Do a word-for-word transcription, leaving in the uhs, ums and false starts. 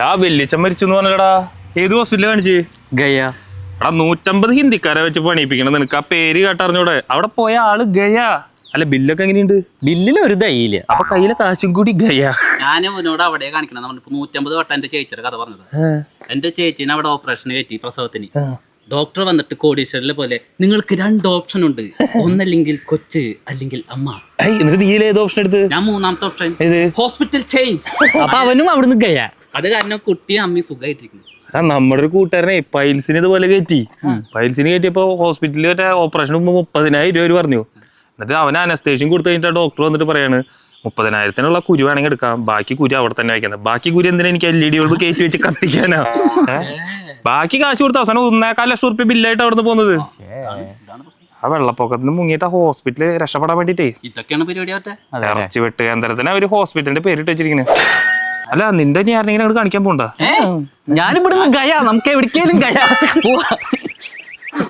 ആ വെല്ലിച്ചൻ മരിച്ചു എന്ന് പറഞ്ഞടാ. ഏത് ഹോസ്പിറ്റലിൽ കാണിച്ച്? ഗയ. എടാ നൂറ്റമ്പത് ഹിന്ദിക്കാരെ വെച്ച് പണിയിപ്പിക്കണം നിനക്ക്. ആ പേര് കേട്ടറിഞ്ഞൂടെ? അവിടെ പോയ ആള് ഗയ. അല്ല ബില്ലൊക്കെ എങ്ങനെയുണ്ട്? ബില്ലിൽ ഒരു ദയില്ല. അപ്പൊ കയ്യിലെ കാശും കൂടി ഗയ. ഞാൻ ഇവനോട് അവിടെ കാണിക്കണം. നമ്മളിപ്പോ നൂറ്റമ്പത് വട്ടം എന്റെ ചേച്ചിയുടെ കഥ പറഞ്ഞത്. എന്റെ ചേച്ചീനെ അവിടെ ഓപ്പറേഷന് കയറ്റി പ്രസവത്തിന്. ഡോക്ടർ വന്നിട്ട് കോടീശ്വരനെ പോലെ നിങ്ങൾക്ക് രണ്ട് ഓപ്ഷൻ ഉണ്ട്, ഒന്നല്ലെങ്കിൽ കൊച്ച് അല്ലെങ്കിൽ അമ്മ. എന്നിട്ട് നീ ഏത് ഓപ്ഷൻ എടുത്ത്? ഞാൻ മൂന്നാമത്തെ ഓപ്ഷൻ ഏത്? Hospital change. അപ്പൊ അവനും അവിടുന്ന് ഗയ. അത് കാരണം കുട്ടിയും അമ്മയും സുഖമായിട്ടിരിക്കുന്നു. നമ്മുടെ ഒരു കൂട്ടുകാരനെ പൈൽസിന് ഇതുപോലെ കയറ്റി. പൈൽസിന് കയറ്റിയപ്പോ ഹോസ്പിറ്റലിൽ മറ്റേ ഓപ്പറേഷൻ മുപ്പതിനായിരം രൂപ പറഞ്ഞു. എന്നിട്ട് അവന് അനസ്തേഷ്യം കൊടുത്തു കഴിഞ്ഞിട്ട് ഡോക്ടർ വന്നിട്ട് പറയാണ് മുപ്പതിനായിരത്തിനുള്ള കുരു വേണമെങ്കിൽ എടുക്കാം, ബാക്കി കുരു അവിടെ തന്നെ വയ്ക്കുന്നത്. ബാക്കി കുരു എന്തിനാ എനിക്ക് എൽ ഇ ഡി ബൾബ് കയറ്റി വെച്ച് കത്തിക്കാനാ? ബാക്കി കാശ് കൊടുത്ത അവസാനം ഒന്നേക്കാൽ ലക്ഷം റുപ്യ ബില്ലായിട്ട് അവിടെ നിന്ന് പോകുന്നത്. ആ വെള്ളപ്പൊക്കത്തിന് മുങ്ങിയിട്ട് ഹോസ്പിറ്റലിൽ രക്ഷപ്പെടാൻ വേണ്ടിട്ടേ ഇതൊക്കെയാണ് പരിപാടി. അവരുടെ ഇറച്ചി വെട്ട് കേന്ദ്രത്തിന് ഒരു ഹോസ്പിറ്റലിന്റെ പേരിട്ട് വെച്ചിരിക്കുന്നത്. അല്ല നിന്റെ ഞാൻ ആരെങ്കിലും കാണിക്കാൻ പോണ്ടാ? ഞാനിവിടുന്ന് ഗയ, നമുക്ക് എവിടേക്കും ഗയ പോവാ.